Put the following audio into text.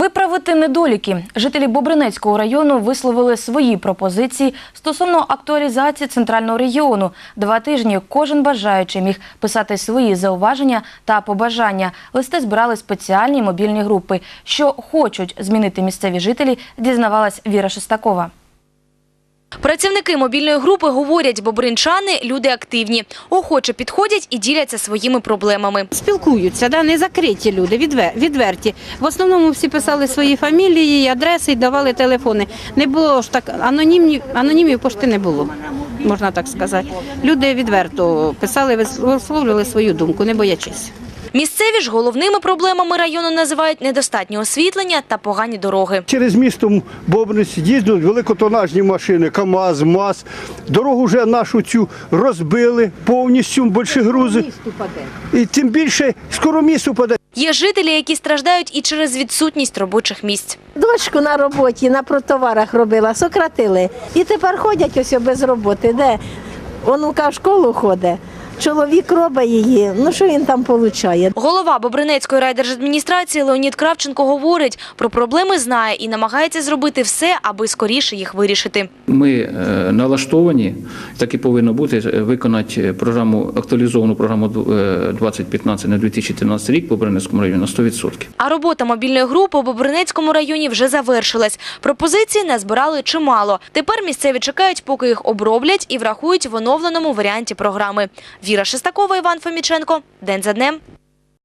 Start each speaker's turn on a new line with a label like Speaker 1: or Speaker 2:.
Speaker 1: Виправити недоліки. Жителі Бобринецького району висловили свої пропозиції стосовно актуалізації центрального регіону. 2 тижні кожен бажаючий міг писати свої зауваження та побажання. Листи збирали спеціальні мобільні групи. Що хочуть змінити місцеві жителі, дізнавалась Віра Шестакова.
Speaker 2: Працівники мобільної групи говорять, бобринчани – люди активні, охоче підходять і діляться своїми проблемами.
Speaker 3: Спілкуються, не закриті люди, відверті. В основному всі писали свої фамілії, адреси і давали телефони. Не було ж так, анонімів пошти не було, можна так сказати. Люди відверто писали, висловлювали свою думку, не боячись.
Speaker 2: Місцеві ж головними проблемами району називають недостатнє освітлення та погані дороги.
Speaker 4: Через місто Бобринець їздять великотонажні машини, КАМАЗ, МАЗ. Дорогу вже нашу цю розбили повністю, більші грузи. І тим більше скоро міст упаде.
Speaker 2: Є жителі, які страждають і через відсутність робочих місць.
Speaker 5: Дочку на роботі, на протоварах робила, сократили. І тепер ходять ось без роботи. Де онука в школу ходить. Чоловік робить її, що він там отримує?
Speaker 2: Голова Бобринецької райдержадміністрації Леонід Кравченко говорить, про проблеми знає і намагається зробити все, аби скоріше їх вирішити.
Speaker 6: Ми налаштовані, так і повинно бути, виконати актуалізовану програму 2015 на 2013 рік по Бобринецькому районі на 100%.
Speaker 2: А робота мобільної групи у Бобринецькому районі вже завершилась. Пропозиції назбирали чимало. Тепер місцеві чекають, поки їх оброблять і врахують в оновленому варіанті програми. Віра Шестакова, Іван Фоміченко. День за днем.